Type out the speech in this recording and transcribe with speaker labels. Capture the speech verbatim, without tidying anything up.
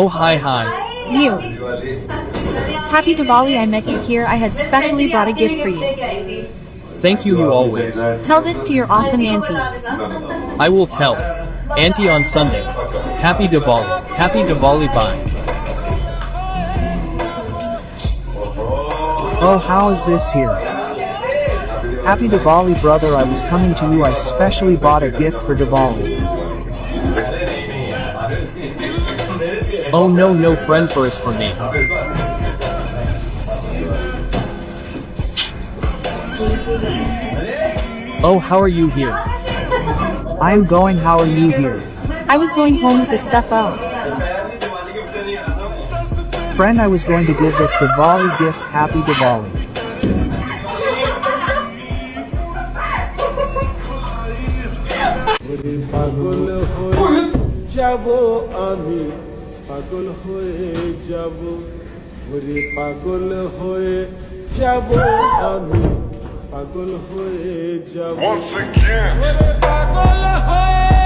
Speaker 1: hi, hi.
Speaker 2: You. Happy Diwali, I met you here. I had specially brought a gift for you.
Speaker 1: Thank you, you always.
Speaker 2: Tell this to your awesome auntie.
Speaker 1: I will tell. Auntie on Sunday. Happy Diwali. Happy Diwali, bye.
Speaker 3: Oh, how is this here? Happy Diwali, brother. I was coming to you. I specially bought a gift for Diwali.
Speaker 1: Oh no, no friend first for me. Oh, how are you here?
Speaker 3: I am going. How are you here?
Speaker 2: I was going home with the stuff out.
Speaker 3: Friend, I was going to give this Diwali gift. Happy Diwali.
Speaker 4: পাগল হয়ে যাব আমি পাগল হয়ে যাব ওরে পাগল হয়ে যাব আমি পাগল হয়ে যাব
Speaker 5: Once again.
Speaker 4: পাগল হয়ে